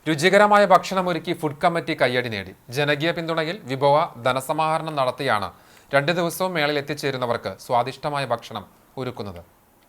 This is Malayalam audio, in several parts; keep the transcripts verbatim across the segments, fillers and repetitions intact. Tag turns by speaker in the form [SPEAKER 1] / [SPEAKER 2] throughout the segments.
[SPEAKER 1] രുചികരമായ ഭക്ഷണമൊരുക്കി ഫുഡ് കമ്മിറ്റി കയ്യടി നേടി. ജനകീയ പിന്തുണയിൽ വിഭവ ധനസമാഹരണം നടത്തിയാണ് രണ്ട് ദിവസവും മേളയിൽ എത്തിച്ചേരുന്നവർക്ക് സ്വാദിഷ്ടമായ ഭക്ഷണം ഒരുക്കുന്നത്.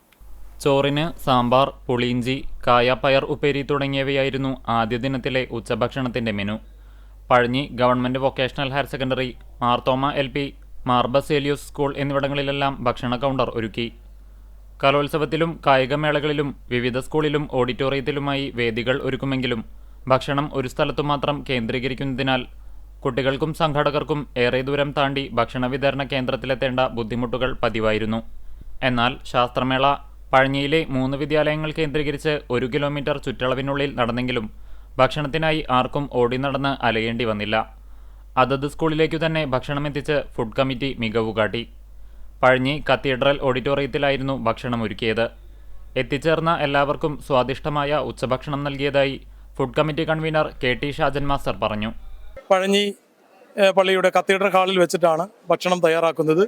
[SPEAKER 2] ചോറിന് സാമ്പാർ, പുളിയിഞ്ചി, കായാപ്പയർ ഉപ്പേരി തുടങ്ങിയവയായിരുന്നു ആദ്യ ദിനത്തിലെ ഉച്ചഭക്ഷണത്തിന്റെ menu. Pazhanji government vocational higher secondary, Marthoma L P, Mar Baselios school എന്നിവിടങ്ങളിലെല്ലാം ഭക്ഷണ കൗണ്ടർ ഒരുക്കി. കലോത്സവത്തിലും കായികമേളകളിലും വിവിധ സ്കൂളിലും ഓഡിറ്റോറിയത്തിലുമായി വേദികൾ ഒരുക്കുമെങ്കിലും ഭക്ഷണം ഒരു സ്ഥലത്തു മാത്രം കേന്ദ്രീകരിക്കുന്നതിനാൽ കുട്ടികൾക്കും സംഘാടകർക്കും ഏറെ ദൂരം താണ്ടി ഭക്ഷണ വിതരണ കേന്ദ്രത്തിലെത്തേണ്ട ബുദ്ധിമുട്ടുകൾ പതിവായിരുന്നു. എന്നാൽ ശാസ്ത്രമേള പഴഞ്ഞിയിലെ മൂന്ന് വിദ്യാലയങ്ങൾ കേന്ദ്രീകരിച്ച് ഒരു കിലോമീറ്റർ ചുറ്റളവിനുള്ളിൽ നടന്നെങ്കിലും ഭക്ഷണത്തിനായി ആർക്കും ഓടി നടന്ന് അലയേണ്ടി വന്നില്ല. അതത് സ്കൂളിലേക്കു തന്നെ ഭക്ഷണമെത്തിച്ച് ഫുഡ് കമ്മിറ്റി മികവു കാട്ടി. പഴഞ്ഞി കത്തീഡ്രൽ ഓഡിറ്റോറിയത്തിലായിരുന്നു ഭക്ഷണം ഒരുക്കിയത്. എത്തിച്ചേർന്ന എല്ലാവർക്കും സ്വാദിഷ്ടമായ ഉച്ചഭക്ഷണം നൽകിയതായി food committee convener K T Shajan master പറഞ്ഞു.
[SPEAKER 3] പഴഞ്ഞി പള്ളിയുടെ കത്തീഡ്രൽ ഹാളിൽ വെച്ചിട്ടാണ് ഭക്ഷണം തയ്യാറാക്കുന്നത്.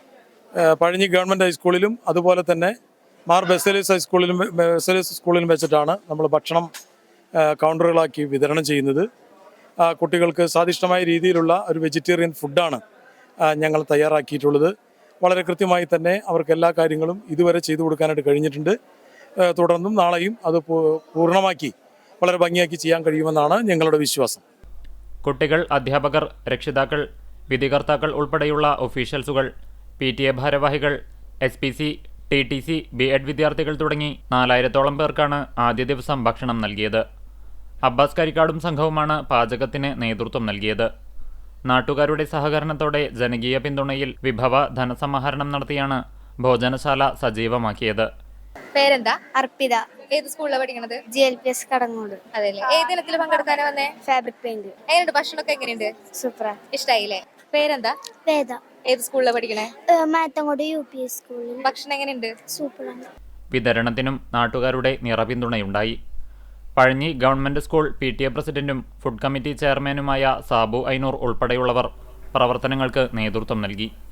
[SPEAKER 3] പഴഞ്ഞി ഗവൺമെൻറ് ഹൈസ്കൂളിലും അതുപോലെ തന്നെ മാർ ബസേലിയസ് ഹൈസ്കൂളിലും ബസേലിയസ് സ്കൂളിലും വെച്ചിട്ടാണ് നമ്മൾ ഭക്ഷണം കൗണ്ടറുകളാക്കി വിതരണം ചെയ്യുന്നത്. കുട്ടികൾക്ക് സ്വാദിഷ്ടമായ രീതിയിലുള്ള ഒരു വെജിറ്റേറിയൻ ഫുഡാണ് ഞങ്ങൾ തയ്യാറാക്കിയിട്ടുള്ളത്. വളരെ കൃത്യമായി തന്നെ അവർക്ക് എല്ലാ കാര്യങ്ങളും ഇതുവരെ ചെയ്തു കൊടുക്കാനായിട്ട് കഴിഞ്ഞിട്ടുണ്ട്. തുടർന്നും നാളെയും അത് പൂർണ്ണമാക്കി വളരെ ഭംഗിയാക്കി ചെയ്യാൻ കഴിയുമെന്നാണ് ഞങ്ങളുടെ വിശ്വാസം.
[SPEAKER 2] കുട്ടികൾ, അധ്യാപകർ, രക്ഷിതാക്കൾ, വിധികർത്താക്കൾ ഉൾപ്പെടെയുള്ള ഒഫീഷ്യൽസുകൾ, പി ടി എ ഭാരവാഹികൾ, S P C, T T C, B Ed വിദ്യാർത്ഥികൾ തുടങ്ങി നാലായിരത്തോളം പേർക്കാണ് ആദ്യ ദിവസം ഭക്ഷണം നൽകിയത്. അബ്ബാസ് കരിക്കാടും സംഘവുമാണ് പാചകത്തിന് നേതൃത്വം നൽകിയത്. നാട്ടുകാരുടെ സഹകരണത്തോടെ ജനകീയ പിന്തുണയിൽ വിഭവ ധനസമാഹരണം നടത്തിയാണ് ഭോജനശാല സജീവമാക്കിയത്.
[SPEAKER 4] പേരെന്താ?
[SPEAKER 5] അർപ്പിത.
[SPEAKER 4] ഏത് സ്കൂളിലാണ് പഠിക്കണത്?
[SPEAKER 5] G L P S Kadangode.
[SPEAKER 4] അതെല്ലേ. ഏത് ഇനത്തിൽ പങ്കെടുക്കാനാ വന്നേ?
[SPEAKER 5] Fabric paint.
[SPEAKER 4] എങ്ങനെയുണ്ട് ഭക്ഷണമൊക്കെ? എങ്ങനെയുണ്ട്?
[SPEAKER 5] സൂപ്പർ.
[SPEAKER 4] ഇഷ്ടായില്ലേ? പേരെന്താ?
[SPEAKER 5] വേദ.
[SPEAKER 4] ഏത് സ്കൂളിലാണ് പഠിക്കണേ?
[SPEAKER 5] മാത്തങ്കോട് യു പി എസ് സ്കൂളിൽ.
[SPEAKER 4] ഭക്ഷണം എങ്ങനെയുണ്ട്?
[SPEAKER 5] സൂപ്പറാണ്.
[SPEAKER 2] വിതരണത്തിനും നാട്ടുകാരുടെ നിറപിന്തുണയുണ്ടായി. Pazhanji government school P T A പ്രസിഡന്റും ഫുഡ് കമ്മിറ്റി ചെയർമാനുമായ സാബു ഐനൂർ ഉൾപ്പെടെയുള്ളവർ പ്രവർത്തനങ്ങൾക്ക് നേതൃത്വം നൽകി.